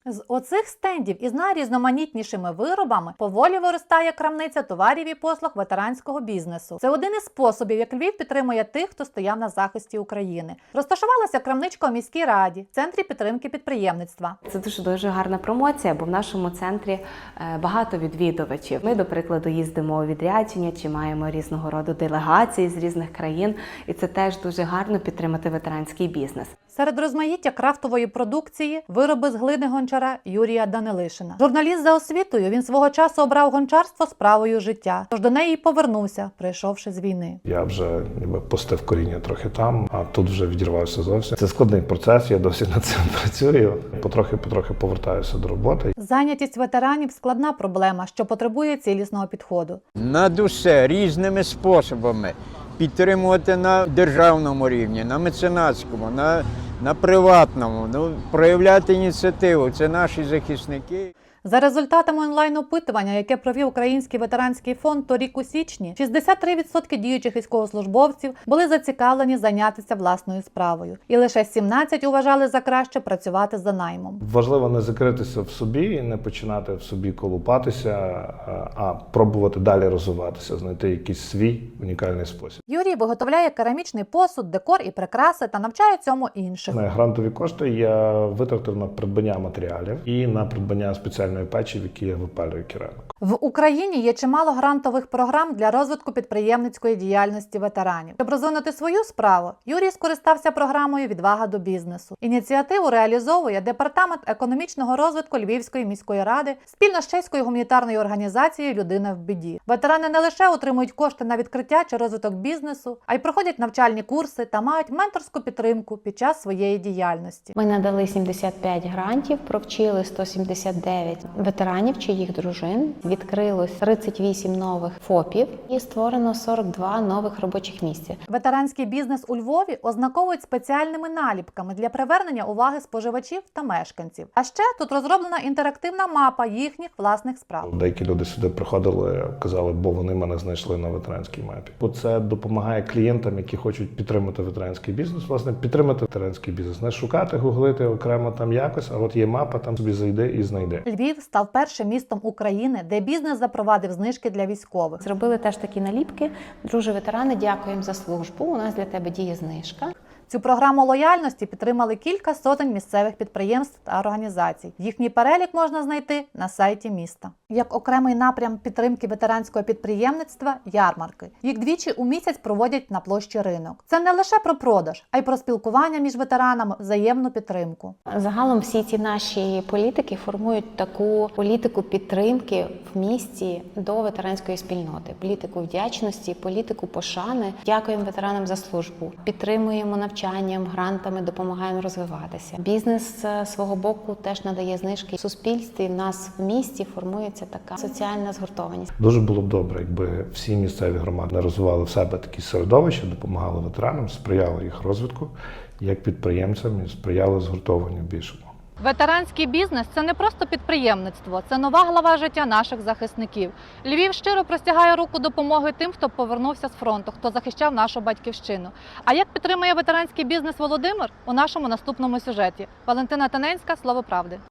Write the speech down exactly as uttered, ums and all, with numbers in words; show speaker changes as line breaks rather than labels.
З оцих стендів із найрізноманітнішими виробами поволі виростає крамниця товарів і послуг ветеранського бізнесу. Це один із способів, як Львів підтримує тих, хто стояв на захисті України. Розташувалася крамничка у міській раді, в центрі підтримки підприємництва.
Це дуже-дуже гарна промоція, бо в нашому центрі багато відвідувачів. Ми, до прикладу, їздимо у відрядження чи маємо різного роду делегації з різних країн, і це теж дуже гарно підтримати ветеранський бізнес.
Серед розмаїття крафтової продукції – вироби з глини гончара Юрія Данилишина. Журналіст за освітою, він свого часу обрав гончарство справою життя, тож до неї й повернувся, прийшовши з війни.
Я вже ніби пустив коріння трохи там, а тут вже відірвався зовсім. Це складний процес, я досі над цим працюю. Потрохи-потрохи повертаюся до роботи.
Зайнятість ветеранів – складна проблема, що потребує цілісного підходу.
Над усе різними способами підтримувати на державному рівні, на меценатському, на, на приватному, ну, проявляти ініціативу. Це наші захисники.
За результатами онлайн-опитування, яке провів Український ветеранський фонд торік у січні, шістдесят три відсотки діючих військовослужбовців були зацікавлені зайнятися власною справою. І лише сімнадцять відсотків вважали за краще працювати за наймом.
Важливо не закритися в собі і не починати в собі колупатися, а пробувати далі розвиватися, знайти якийсь свій унікальний спосіб.
Юрій виготовляє керамічний посуд, декор і прикраси та навчає цьому інших.
На грантові кошти я витратив на придбання матеріалів і на придбання спеціальної печі, в якій я випалюю кераміку.
В Україні є чимало грантових програм для розвитку підприємницької діяльності ветеранів. Щоб розвинути свою справу, Юрій скористався програмою «Відвага до бізнесу». Ініціативу реалізовує Департамент економічного розвитку Львівської міської ради спільно з чеською гуманітарною організацією «Людина в біді». Ветерани не лише отримують кошти на відкриття чи розвиток бізнесу, а й проходять навчальні курси та мають менторську підтримку під час своєї діяльності.
Ми надали сімдесят п'ять грантів, провчили сто сімдесят дев'ять ветеранів чи їх дружин. Відкрилось тридцять вісім нових ФОПів і створено сорок два нових робочих місця.
Ветеранський бізнес у Львові ознаковують спеціальними наліпками для привернення уваги споживачів та мешканців. А ще тут розроблена інтерактивна мапа їхніх власних справ.
Деякі люди сюди приходили, казали, бо вони мене знайшли на ветеранській мапі. Бо це допомагає клієнтам, які хочуть підтримати ветеранський бізнес, власне, підтримати ветеранський бізнес. Не шукати, гуглити окремо там якось, а от є мапа, там собі зайди і знайди.
Львів став першим містом України, де бізнес запровадив знижки для військових.
Зробили теж такі наліпки. Друже ветерани, дякуємо за службу. У нас для тебе діє знижка.
Цю програму лояльності підтримали кілька сотень місцевих підприємств та організацій. Їхній перелік можна знайти на сайті міста. Як окремий напрям підтримки ветеранського підприємництва – ярмарки. Їх двічі у місяць проводять на площі Ринок. Це не лише про продаж, а й про спілкування між ветеранами, взаємну підтримку.
Загалом всі ці наші політики формують таку політику підтримки в місті до ветеранської спільноти. Політику вдячності, політику пошани. Дякуємо ветеранам за службу. Підтримуємо навчанням, грантами, допомагаємо розвиватися. Бізнес з свого боку теж надає знижки. В суспільстві, в нас в місті формується така соціальна згуртованість.
Дуже було б добре, якби всі місцеві громади розвивали в себе такі середовища, допомагали ветеранам, сприяли їх розвитку, як підприємцям, і сприяли згуртованню більшому.
Ветеранський бізнес – це не просто підприємництво, це нова глава життя наших захисників. Львів щиро простягає руку допомоги тим, хто повернувся з фронту, хто захищав нашу батьківщину. А як підтримує ветеранський бізнес Володимир? У нашому наступному сюжеті. Валентина Таненська, «Слово правди».